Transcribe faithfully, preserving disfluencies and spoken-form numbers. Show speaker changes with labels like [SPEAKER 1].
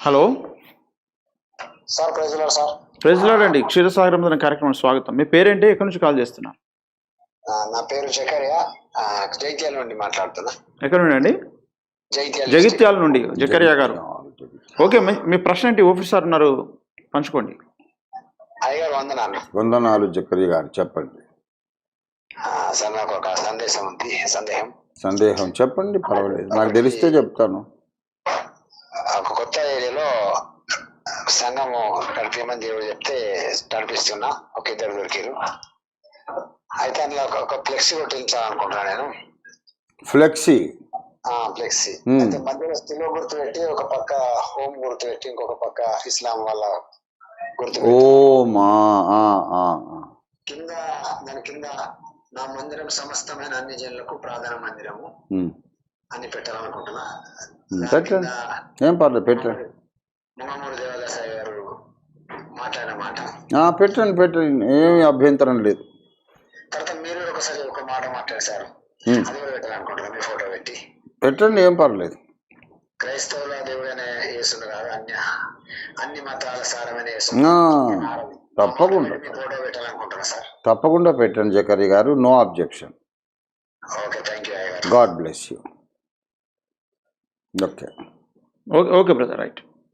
[SPEAKER 1] Hello
[SPEAKER 2] sir praise lord sir.
[SPEAKER 1] Praise lord అండి. క్షీరసాగరం అనే కార్యక్రమం స్వాగతం. మీ పేరేంటి, ఎక్కడి నుంచి కాల్ చేస్తున్నారు?
[SPEAKER 2] ఆ, నా పేరు జకరియా, ఆ, జైత్యాల నుండి మాట్లాడుతున్నా.
[SPEAKER 1] ఎక్కడ నుండి అండి?
[SPEAKER 2] జైత్యాల
[SPEAKER 1] జగిత్యాల నుండి జకరియా గారు. ఓకే, మీ మీ ప్రశ్న ఏంటి? ఆఫీసర్ ఉన్నారు, పంచుకోండి.
[SPEAKER 2] అయ్యగారు వందనాలు.
[SPEAKER 3] వందనాలు జకరియా గారు, చెప్పండి.
[SPEAKER 2] ఆ, సార్ నాకు ఒక సందేశం ఉంది, సందేహం.
[SPEAKER 3] సందేహం చెప్పండి, పర్వాలేదు, నాకు తెలిస్తే చెప్తాను.
[SPEAKER 2] ఒక కొత్త ఏరియాలో సంఘము నడిపేమని దేవుడు చెప్తే నడిపిస్తున్నా. ఒక ఇద్దరు దొరికారు. అయితే అందులో ఒక- ఒక ఫ్లెక్సీ కొట్టించాలనుకుంటున్నా నేను.
[SPEAKER 3] ఫ్లెక్సీ
[SPEAKER 2] ఆ ఫ్లెక్సీ
[SPEAKER 3] Hmm.
[SPEAKER 2] అయితే మధ్యలో స్థిలో గుర్తు పెట్టి, ఒక పక్క హోమ్ గుర్తు పెట్టి, ఇంకొక పక్క ఇస్లాం వాళ్ళ గుర్తు
[SPEAKER 3] ఓ
[SPEAKER 2] పెట్టి,
[SPEAKER 3] మా ఆ, ఆ, ఆ.
[SPEAKER 2] కింద దాని కింద నా మందిరం సమస్తమైన అన్ని జనులకు ప్రధాన మందిరము
[SPEAKER 3] ఉమ్,
[SPEAKER 2] అని పెట్టాలనుకుంటున్నా.
[SPEAKER 3] ఉమ్,
[SPEAKER 2] దాని
[SPEAKER 3] పెట్టండి,
[SPEAKER 2] కింద
[SPEAKER 3] ఏం పర్లేదు, పెట్టండి.
[SPEAKER 2] ముమ్మూరు దేవదాసాయి గారు మాట్లాడిన మాట.
[SPEAKER 3] ఆ, పెట్టండి పెట్టండి, ఏమి అభ్యంతరం లేదు.
[SPEAKER 2] తర్వాత మీరు కూడా ఒకసారి ఒక మాట మాట్లాడేశారు,
[SPEAKER 3] ఉమ్,
[SPEAKER 2] అది కూడా పెట్టాలనుకుంటున్నా. మీ ఫోటో పెట్టి
[SPEAKER 3] పెట్టండి, ఏం పర్లేదు.
[SPEAKER 2] క్రైస్తవుల దేవుడైన యేసును కాదు, అన్య అన్ని మతాల సారమైన యేసు.
[SPEAKER 3] ఆ,
[SPEAKER 2] ఆ మాట
[SPEAKER 3] తప్పకుండా
[SPEAKER 2] పెట్టి మీ ఫోటో పెట్టాలనుకుంటున్నా సార్.
[SPEAKER 3] తప్పకుండా పెట్టండి జకరియా గారు, no objection.
[SPEAKER 2] Okay, thank you అయ్యగారు.
[SPEAKER 3] God bless you. Okay.
[SPEAKER 1] Okay okay brother, right.